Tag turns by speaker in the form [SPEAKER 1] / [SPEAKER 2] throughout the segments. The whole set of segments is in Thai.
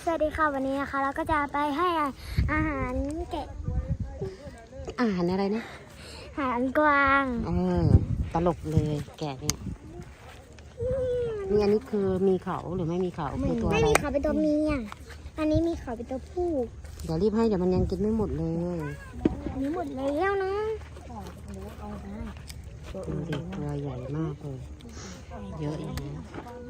[SPEAKER 1] วัสดีค่ะวันนี้นะคะเราก็จะไปให้อาหารแกะ
[SPEAKER 2] อาหารอะไรนะ
[SPEAKER 1] อาหารกวาง
[SPEAKER 2] ตลกเลยแกะเนี่ยนี่อันนี้คือมีเขาหรือไม่มีเขาคือตัวอะไร
[SPEAKER 1] ไม่มีเขาเป็นตัวเมียอันนี้มีเขาเป็นตัวผู้
[SPEAKER 2] เดี๋ยวรีบให้เดี๋ยวมันยังกินไม่หมดเลย
[SPEAKER 1] อันนี้หมดแล้วนะ
[SPEAKER 2] ดูดิตัวใหญ่มากเลยเยอะอย่างนี้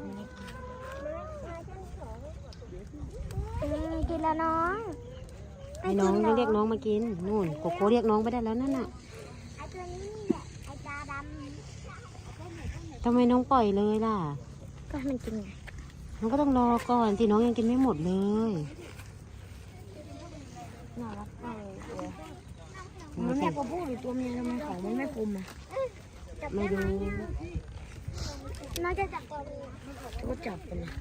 [SPEAKER 1] กินแล้วน้อง
[SPEAKER 2] ให้น้องเรียกน้องมากินนู่นโกโก้เรียกน้องไปได้แล้วนั่นน่ะ
[SPEAKER 1] ไอ้ตัวนี้ไอ้ตาด
[SPEAKER 2] ทำไมน้องปล่อยเลยล่ะ
[SPEAKER 1] ำก็ให้มันกินไง
[SPEAKER 2] น้องก็ต้องรอก่อนที่น้องยังกินไม่หมดเลย
[SPEAKER 1] น่ารักมากเลยตัวมันแม่ตัวผู้หรือตัวเมียทำไมเขามันไม่คมอ่ะ
[SPEAKER 2] ไม่รู้
[SPEAKER 1] น้องจะจับตัวเมีย
[SPEAKER 2] ก็จับไปเลย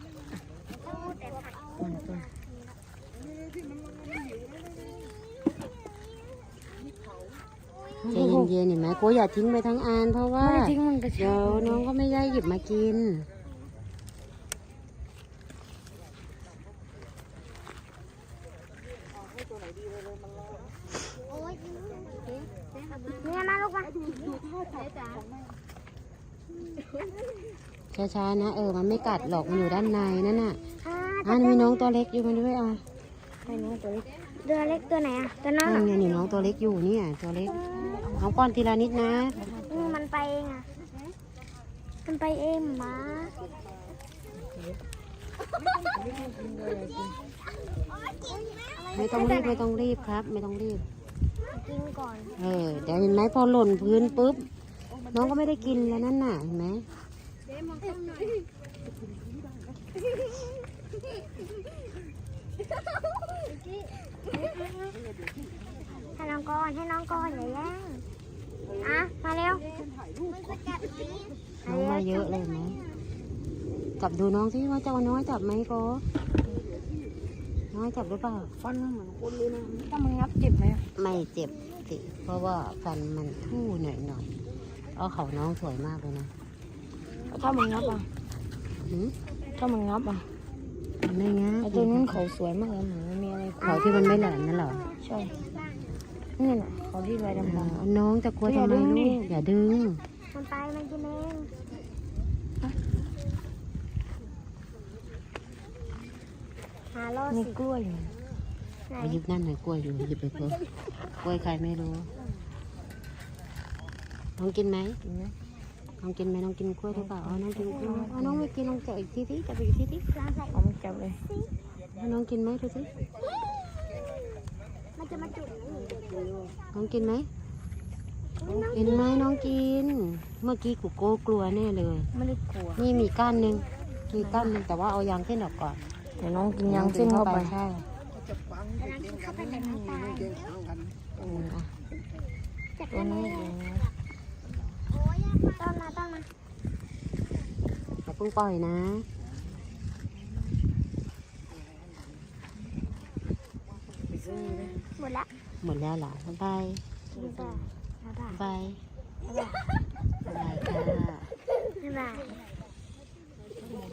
[SPEAKER 2] ใจเย็นๆเห็นไหมโก้อย่าทิ้งไปทั้งอันเพราะว่าเดี๋ยวน้องก็ไม่ได้หยิบมากิน
[SPEAKER 1] เนี่ยมาลูกมา
[SPEAKER 2] ช้าๆนะมันไม่กัดหรอกมันอยู่ด้านในนั่นน่ะมีน้องตัวเล็กอยู่มาด้วย
[SPEAKER 1] ไอ้น้องตัวเล็กตัวเล็กตัวไหนตัวน้อง
[SPEAKER 2] เนี่ยนี่น้องตัวเล็กอยู่เนี่ยตัวเล็กน้องป้อนทีละนิดนะ
[SPEAKER 1] มันไปเองมันไปเองหมา
[SPEAKER 2] ไม่ต้องรีบครับไม่ต้องรีบ
[SPEAKER 1] กินก่อน
[SPEAKER 2] เดี๋ยวเห็นไหมพอหล่นพื้นปุ๊บน้องก็ไม่ได้กินแล้วนั่นน่ะเห็นไหม
[SPEAKER 1] ให้น้องก่อนอย่าแย่งมาเร็ว
[SPEAKER 2] น้องมาเยอะเลยไหมจับดูน้องสิว่าจะเอาน้อยจับไหมก็น้อยจับหรือเปล่า
[SPEAKER 1] ฟันมันเหมือนคนเลยนะถ้ามันงับเจ็บไหม
[SPEAKER 2] ไม่เจ็บสิเพราะว่าฟันมันทู่หน่อยเขาน้องสวยมากเลยนะ
[SPEAKER 1] ถ้ามันงับถ้ามันงับ
[SPEAKER 2] ไม่งับ
[SPEAKER 1] ตัวนั้นเขาสวยมากเลยเหมือนมีอะไร
[SPEAKER 2] เขาที่มันไม่แหลมนั่นหรอ
[SPEAKER 1] ใช่นี่แหละเขาที่ใบดำ
[SPEAKER 2] น้องจะกลัวทำไมลูกอย่าดึง
[SPEAKER 1] มันไปมันกินเอง
[SPEAKER 2] มีกล้วยไปหยิบนั่นหน่อยกล้วยอยู่หยิบไปเพิ่มกล้วยใครไม่รู้น้องกินไหมน้องกินไหมน้องกินกล้วยหรือเปล่าน้องกินกล้วยน้องไม่กินน้องจับอีกทีจับอีกที
[SPEAKER 1] เอามันจับเลย
[SPEAKER 2] น้องกินไหมดูสิ
[SPEAKER 1] มันจะมาจุด
[SPEAKER 2] น้องกินไหมกินไหมน้องกินเมื่อกี้กูโก้กลัวแน่เลย
[SPEAKER 1] ไม่ได้กลัว
[SPEAKER 2] นี่มีก้านหนึ่งแต่ว่าเอายางเส้นออกก่อน
[SPEAKER 1] เดี๋ยวน้องกินยางเส้นเข้าไป
[SPEAKER 2] ใช่
[SPEAKER 1] เข้าไปแต่ไม่ตาย
[SPEAKER 2] ตัวนี้
[SPEAKER 1] ต้นมา
[SPEAKER 2] อย่าเพิ่งปล่อยนะ
[SPEAKER 1] หมด
[SPEAKER 2] แล้วเหรอบ๊ายบาย
[SPEAKER 1] บ๊ายบาย
[SPEAKER 2] ค่ะ
[SPEAKER 1] บ๊ายบาย